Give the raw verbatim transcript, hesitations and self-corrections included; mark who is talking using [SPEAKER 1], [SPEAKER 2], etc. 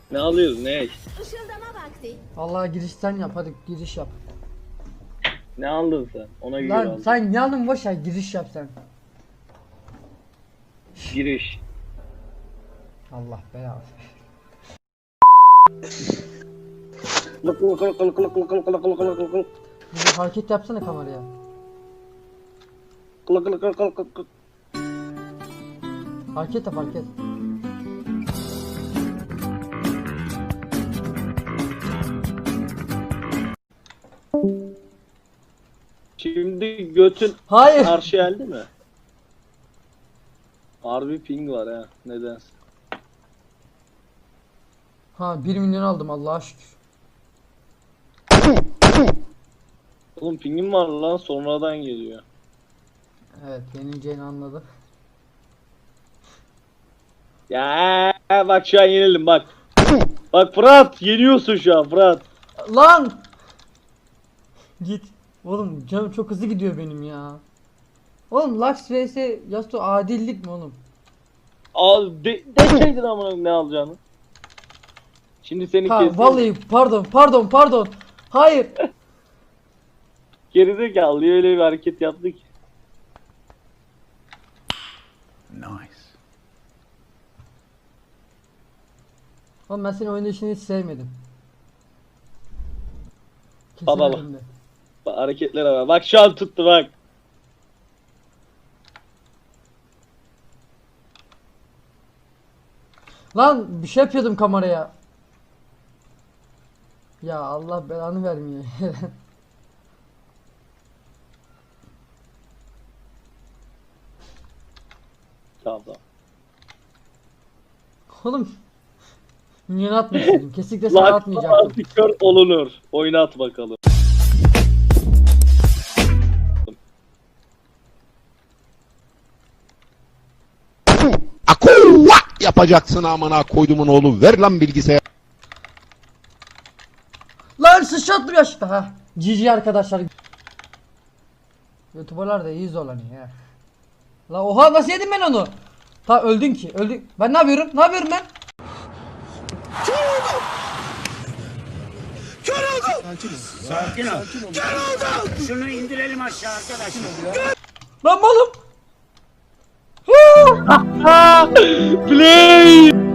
[SPEAKER 1] Ne alıyoruz ne?
[SPEAKER 2] Işıldama vakti.
[SPEAKER 3] Vallahi girişten yap, hadi giriş yap.
[SPEAKER 1] Ne aldın sen? Ona göre
[SPEAKER 3] Lan
[SPEAKER 1] aldın.
[SPEAKER 3] sen yanın boş ver, giriş yap sen.
[SPEAKER 1] Giriş.
[SPEAKER 3] Allah belanı.
[SPEAKER 1] Kılık kılık kılık kılık kılık kılık kılık kılık kılık kılık kılık
[SPEAKER 3] Bir de hareket yapsana kameraya.
[SPEAKER 1] kılık kılık kılık kılık kılık kılık.
[SPEAKER 3] Hareket yap, hareket.
[SPEAKER 1] Şimdi götün
[SPEAKER 3] Hayır.
[SPEAKER 1] karşı geldi mi? Harbi ping var ha nedense.
[SPEAKER 3] Ha bir milyon aldım Allah'a şükür.
[SPEAKER 1] Oğlum pingim var lan sonradan geliyor.
[SPEAKER 3] Evet, yenileceğini anladı.
[SPEAKER 1] Ya bak şu an yenildim bak. Bak Fırat yeniyorsun şu an Fırat.
[SPEAKER 3] Lan! Git. Oğlum canım çok hızlı gidiyor benim ya. Oğlum Lux vs Yasuo adillik mi oğlum?
[SPEAKER 1] Al de deseydin amına ne alacağını. Şimdi seni
[SPEAKER 3] Ha
[SPEAKER 1] kesin.
[SPEAKER 3] vallahi pardon pardon pardon. Hayır.
[SPEAKER 1] Gerizekalı öyle bir hareket yaptı ki.
[SPEAKER 4] Nice.
[SPEAKER 3] Oğlum ben senin oynayışını hiç sevmedim.
[SPEAKER 1] Baba bak.
[SPEAKER 3] Kesemedim de.
[SPEAKER 1] Bak hareketlere bak. Bak şu an tuttu bak.
[SPEAKER 3] Lan bir şey yapıyordum kameraya. Ya Allah belanı vermiyor.
[SPEAKER 1] Tamam tamam.
[SPEAKER 3] Oğlum. Minyon atmıştım. Kesinlikle sana
[SPEAKER 1] Lan
[SPEAKER 3] atmayacaktım.
[SPEAKER 1] kör olunur. Oynat bakalım.
[SPEAKER 4] Akuvva yapacaksın amına koydumun oğlu. Ver lan bilgisayar.
[SPEAKER 3] Lan sıçrattım yaşta ha. G G arkadaşlar. YouTuber'lar da iyi zorlanıyor ya. La oha nasıl yedim ben onu? Ta öldün ki öldün. Ben ne yapıyorum? Ne yapıyorum ben?
[SPEAKER 5] Sakin ol. Şunu indirelim aşağı arkadaşlar.
[SPEAKER 3] Lan malım.
[SPEAKER 1] Play.